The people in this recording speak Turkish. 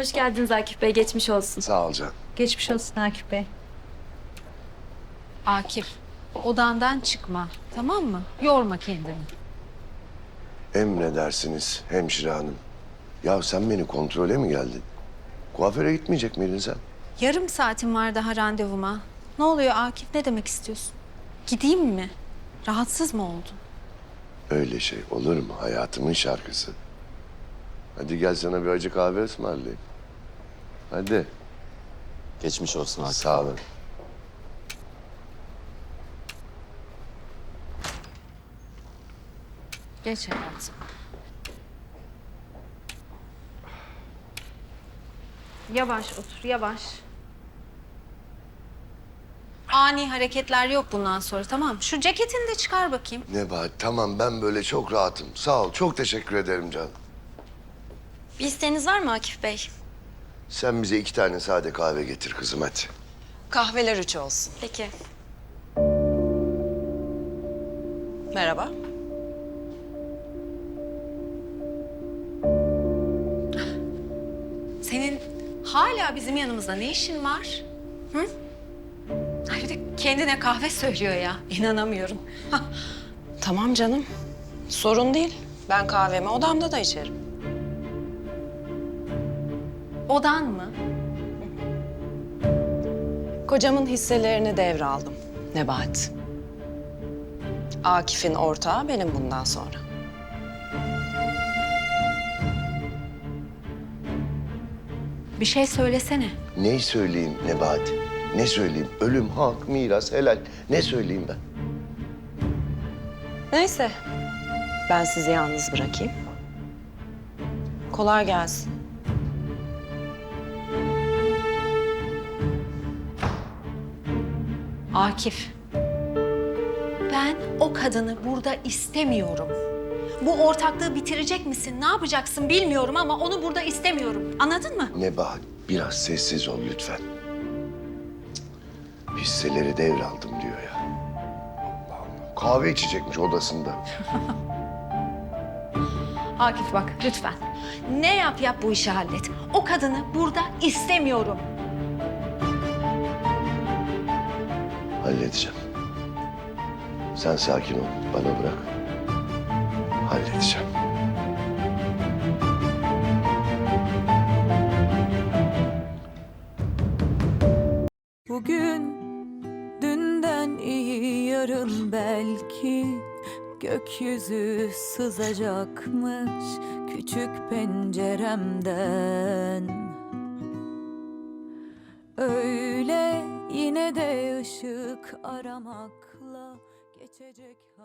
Hoş geldiniz Akif Bey, geçmiş olsun. Sağ ol Can. Geçmiş olsun Akif Bey. Akif, odandan çıkma, tamam mı? Yorma kendini. Emredersiniz hemşire hanım. Ya sen beni kontrole mi geldin? Kuaföre gitmeyecek miydin sen? Yarım saatim var daha randevuma. Ne oluyor Akif, ne demek istiyorsun? Gideyim mi? Rahatsız mı oldun? Öyle şey olur mu? Hayatımın şarkısı. Hadi gel sana bir acı kahve ısmarlayayım. Hadi. Geçmiş olsun Akif. Sağ olun. Geç hayatım. Yavaş otur, yavaş. Ani hareketler yok bundan sonra, tamam mı? Şu ceketini de çıkar bakayım. Nebahat tamam ben böyle çok rahatım. Sağ ol çok teşekkür ederim Can. Bir isteğiniz var mı Akif Bey? Sen bize 2 tane sade kahve getir kızım hadi. Kahveler 3 olsun. Peki. Merhaba. Senin hala bizim yanımızda ne işin var? Hı? Ay bir de kendine kahve söylüyor ya. İnanamıyorum. Tamam canım. Sorun değil. Ben kahvemi odamda da içerim. Odan mı? Kocamın hisselerini devraldım. Nebahat. Akif'in ortağı benim bundan sonra. Bir şey söylesene. Ne söyleyeyim Nebahat? Ne söyleyeyim? Ölüm, hak, miras, helal. Ne söyleyeyim ben? Neyse. Ben sizi yalnız bırakayım. Kolay gelsin. Akif. Ben o kadını burada istemiyorum. Bu ortaklığı bitirecek misin? Ne yapacaksın bilmiyorum ama onu burada istemiyorum. Anladın mı? Nebahat biraz sessiz ol lütfen. Cık. Hisseleri devraldım diyor ya. Allah Allah. Kahve içecekmiş odasında. Akif bak lütfen. Ne yap yap bu işi hallet. O kadını burada istemiyorum. Halledeceğim. Sen sakin ol. Bana bırak. Halledeceğim. Bugün dünden iyi yarın belki gökyüzü sızacakmış küçük penceremden. Öyle yine de ışık aramakla geçecek.